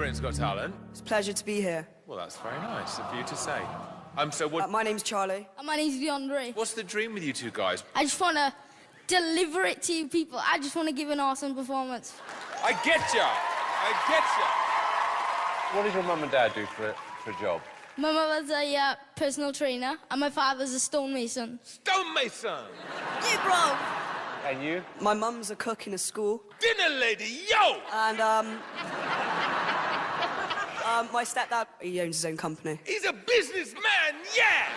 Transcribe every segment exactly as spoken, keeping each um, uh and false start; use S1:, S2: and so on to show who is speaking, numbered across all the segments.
S1: Britain's Got Talent.
S2: It's a pleasure to be here.
S1: Well, that's very nice of you to say. Um, so what?
S2: Uh, my name's Charlie.
S3: And my name's DeAndre.
S1: What's the dream with you two guys?
S3: I just want to deliver it to you people. I just want to give an awesome performance.
S1: I get ya. I get ya.
S4: What does your mum and dad do for a, for a job?
S3: My mother's a uh, personal trainer, and my father's a stonemason.
S1: Stonemason.
S2: Yeah, bro.
S4: And you?
S2: My mum's a cook in a school.
S1: Dinner lady, yo.
S2: And, um... um, my stepdad, he owns his own company.
S1: He's a businessman, yeah.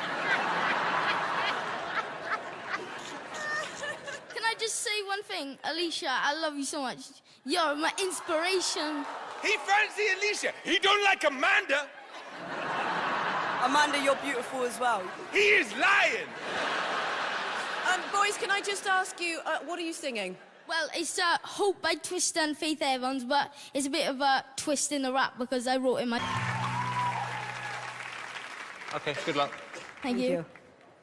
S3: Can I just say one thing? Alicia, I love you so much. You're my inspiration.
S1: He fancy Alicia. He don't like Amanda.
S2: Amanda, you're beautiful as well.
S1: He is lying.
S5: Um, boys, can I just ask you, uh, what are you singing?
S3: Well, it's uh, Hope by Twista and Faith Evans, but it's a bit of a twist in the rap because I wrote it my...
S4: Okay, good luck.
S3: Thank,
S2: Thank
S3: you.
S2: you.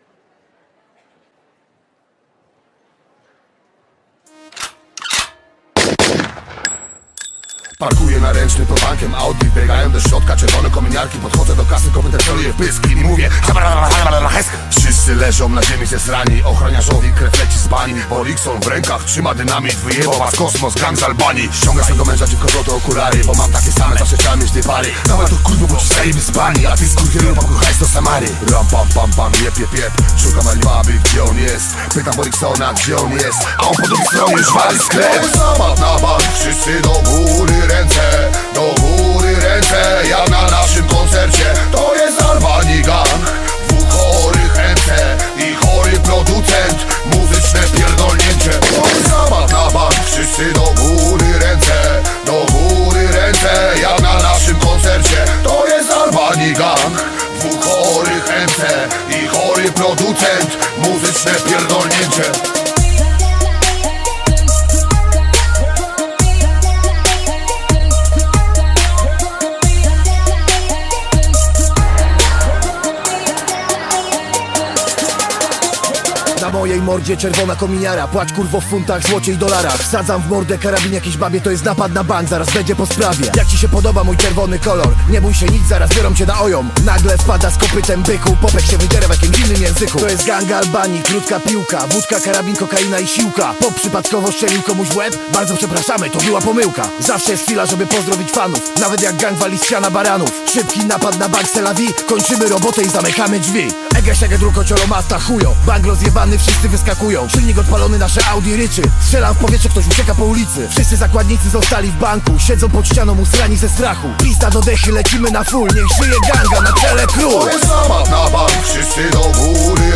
S6: Parkuję na ręczny pod bankiem Audi, biegają do środka czerwone kominiarki. Podchodzę do kasy, kopytem celuję w pysk i mówię wszyscy leżą na ziemi zesrani. Ochroniarzowi krew leci z bani. Borikson w rękach trzyma dynamit. Wyjebał was kosmos, gang z Albanii. Ściąga swego męża dziwko złote okulary, bo mam takie same, zawsze chciałem mieć dwie pary. Dawaj to kurwa, bo ci zajemy z bani, a ty skurwielu pakuchaj do Samary. Ram pam pam pam, jep jep jep. Szukam Alibaby, gdzie on jest. Pytam Boriksona, gdzie on jest. A on po drugiej stronie już wali sklep. Zapadł na bank, wszyscy do góry ręce, do góry ręce, jak na naszym koncercie. To jest Albanii gang, dwóch chorych ręce i chory producent, muzyczne pierdolnięcie. To jest zabaw na bank, wszyscy do góry ręce, do góry ręce, jak na naszym koncercie. To jest Albanii gang, dwóch chorych ręce i chory producent, muzyczne pierdolnięcie.
S7: Na mojej mordzie czerwona kominiara. Płacz kurwo w funtach, złocie i dolarach. Wsadzam w mordę karabin jakiejś babie. To jest napad na bank, zaraz będzie po sprawie. Jak ci się podoba mój czerwony kolor? Nie bój się nic, zaraz biorą cię na ojom. Nagle wpada z kopytem byku. Popek się wydziera w jakimś innym języku. To jest gang Albanii, krótka piłka. Wódka, karabin, kokaina i siłka. Pop przypadkowo strzelił komuś w łeb? Bardzo przepraszamy, to była pomyłka. Zawsze jest chwila, żeby pozdrowić fanów. Nawet jak gang wali z siana baranów. Szybki napad na bank Tel Aviv. Kończymy robotę i zamykamy drzwi. Ege, siege, druko, ciolo, masta, chujo. Bank rozjebany, wszyscy wyskakują. Silnik odpalony, nasze Audi ryczy. Strzelam w powietrze, ktoś ucieka po ulicy. Wszyscy zakładnicy zostali w banku. Siedzą pod ścianą usrani ze strachu. Pista do dechy, lecimy na full. Niech żyje ganga, na czele król.
S6: To jest zabaw na bank, wszyscy do góry